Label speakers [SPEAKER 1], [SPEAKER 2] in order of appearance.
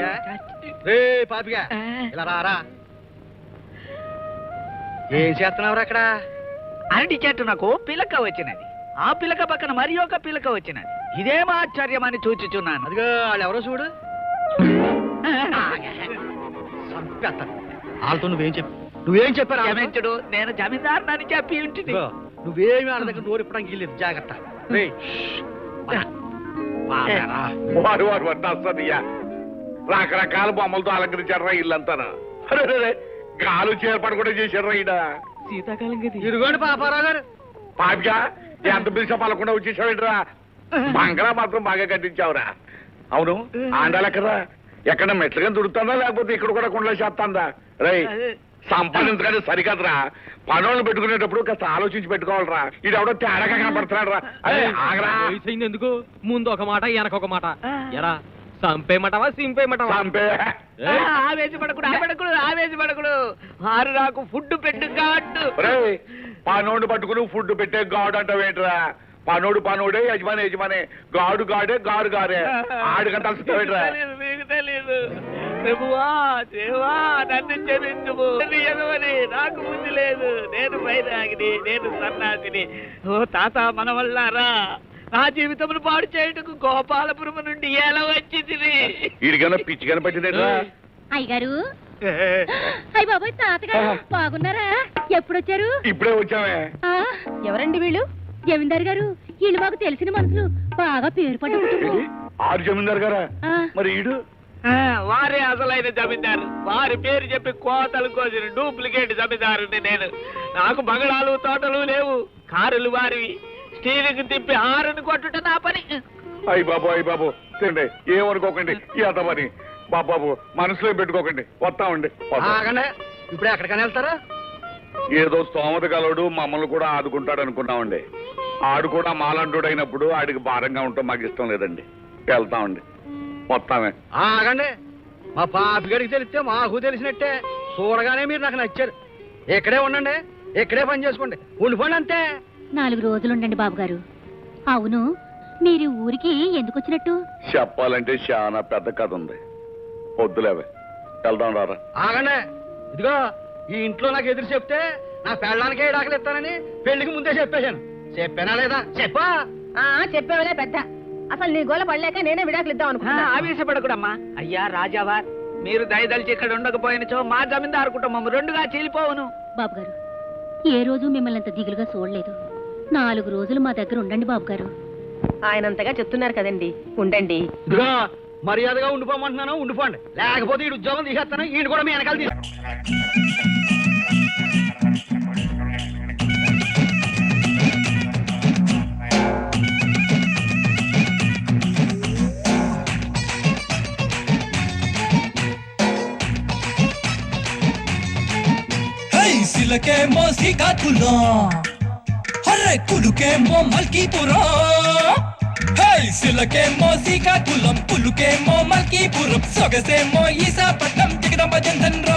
[SPEAKER 1] పాపిగా ఇలా రారా. ఏం చేస్తున్నావు అక్కడ?
[SPEAKER 2] అరటి చెట్టు నాకు పిలక వచ్చినది, ఆ పిలక పక్కన మరి ఒక పిలక వచ్చినది. ఇదేం ఆశ్చర్యం అని చూచుచున్నాను.
[SPEAKER 1] అదిగో వాళ్ళు ఎవరో చూడు. చంపేస్తాను వాళ్ళతో. నువ్వేం చెప్పారు?
[SPEAKER 2] క్షమించుడు, నేను జమీందారునని చెప్పి ఉంటుంది.
[SPEAKER 1] నువ్వేమి వాళ్ళ దగ్గర నోరు ఇప్పడానికి వెళ్ళలేదు. జాగ్రత్త.
[SPEAKER 3] రకరకాల బొమ్మలతో అలంకరించారా ఇల్లంతా. గాలు చేర్పాటు కూడా చేశారా ఈడ.
[SPEAKER 2] శీతాకాలం కదా.
[SPEAKER 1] ఇదిగోండి పాపారావు గారు.
[SPEAKER 3] పాపిగా ఎంత పిలిచా పలకుండా వచ్చేసావేంట్రా? బంగళా మాత్రం బాగా కట్టించావురా. అవును, ఆండాలెక్కరా? ఎక్కడ మెట్లుగా దుడుతుందా లేకపోతే ఇక్కడ కూడా కుండలో చేస్తాందా? రై సంపాదించగానే సరికదరా. పనులను పెట్టుకునేటప్పుడు కాస్త ఆలోచించి పెట్టుకోవాలరా. ఇది ఎవడో తేడాగా కనపడుతున్నాడు రా. అదే ఆగరా.
[SPEAKER 4] ఎందుకు ముందు ఒక మాట వెనకొక మాట. ఎరా సంపేయమంటావా సింపేయమంటావా?
[SPEAKER 3] సంపే.
[SPEAKER 2] ఆవేశపడకుడు. వారు నాకు ఫుడ్ పెట్టు గాడు.
[SPEAKER 3] పనోడు పట్టుకుని ఫుడ్ పెట్టే గాడు అంటావేంట్రా? పనోడే యజమానే గాడు గాడే గారు గారే. ఆడికంటే అలసిపోయేట్రా.
[SPEAKER 2] మీకు తెలియదు. ప్రభువా దేవా నన్ను క్షమించుము. నాకు బుద్ధి లేదు. నేను వైరాగిని, నేను సన్నాసిని. ఓ తాత మన వల్లారా నా జీవితమును పాడు చేయుటకు గోపాలపురం నుండి ఎలా వచ్చింది?
[SPEAKER 3] వీడికన్నా పిచ్చి కనపట్టిందేట్రా?
[SPEAKER 5] అయ్యగారు. అయ్య బాబాయ్ తాతగారు బాగున్నారా? ఎప్పుడొచ్చారు?
[SPEAKER 3] ఇప్పుడే వచ్చామే.
[SPEAKER 5] ఎవరండి వీళ్ళు? జమీందారు గారు. వీళ్ళు మాకు తెలిసిన మనుషులు, బాగా పేరు పడ్డ.
[SPEAKER 3] ఆరు జమీందారు గారా? మరి ఈడు
[SPEAKER 2] వారే అసలైన జమీందారు. వారి పేరు చెప్పి కోతలు కోసిన డూప్లికేట్ జమీందారుని నేను. నాకు బంగళాలు తోటలు లేవు, కారులు వారివి. స్టీరింగ్ తిప్పి హారని కొట్టుట నా పని.
[SPEAKER 3] అయ్య బాబు తిండి ఏమనుకోకండి. పని బాబు మనసులో పెట్టుకోకండి. వస్తామండి.
[SPEAKER 1] ఇప్పుడు ఎక్కడికైనా వెళ్తారా?
[SPEAKER 3] ఏదో స్తోమత కలడు మమ్మల్ని కూడా ఆదుకుంటాడు అనుకున్నామండి. ఆడు కూడా మాలంటుడు అయినప్పుడు ఆడికి భారంగా ఉంటాం మాకు ఇష్టం లేదండి. వెళ్తామండి. వస్తామే.
[SPEAKER 1] ఆగండి. మా పాపిగడికి తెలిస్తే మాకు తెలిసినట్టే. చూడగానే మీరు నాకు నచ్చారు. ఇక్కడే ఉండండి, ఇక్కడే పని చేసుకోండి. ఉండిపోండి అంతే.
[SPEAKER 5] 4 రోజులుండండి బాబు గారు. అవును, మీరు ఊరికి ఎందుకు వచ్చినట్టు?
[SPEAKER 3] చెప్పాలంటే చాలా పెద్ద కథ ఉంది. వద్దులేవే, వెళ్దాం రారా.
[SPEAKER 1] ఆగండి. ఇదిగో ఈ ఇంట్లో నాకు ఎదురు చెప్తే నా పెళ్ళానికే డాకలు ఇస్తానని పెళ్లికి ముందే చెప్పేశాను. చెప్పానా లేదా? చెప్పా.
[SPEAKER 6] చెప్పేవలే పెద్ద. అసలు నీ గోల పడలేక నేనే విడాకులు ఇద్దాం అనుకున్నా.
[SPEAKER 2] ఆవేశపడకూడమ్మా. అయ్యా రాజావార్, మీరు దయదలిచి ఇక్కడ ఉండకపోయినచో మా జమీందారు కుటుంబం 2గా చీలిపోవును.
[SPEAKER 5] బాబు గారు, ఏ రోజు మిమ్మల్ని అంత దిగులుగా చూడలేదు. 4 రోజులు మా దగ్గర ఉండండి బాబు గారు.
[SPEAKER 6] ఆయనంతగా చెప్తున్నారు కదండి, ఉండండి.
[SPEAKER 1] ఇదిగో మర్యాదగా ఉండిపోమంటున్నాను. ఉండిపోండి, లేకపోతే ఈ ఉద్యోగం తీసేస్తాను. ఈయన కూడా మీ వెనకాల తీసు.
[SPEAKER 7] సిలకేమో శ్రీకాకుళం, హర్రే కులుకేమో మల్కీపురం. సిలకేమో శ్రీకాకుళం, పులుకేమో మల్కీపురం, సొగసేమో ఈశాపట్నం, జగదంబ జంధన్.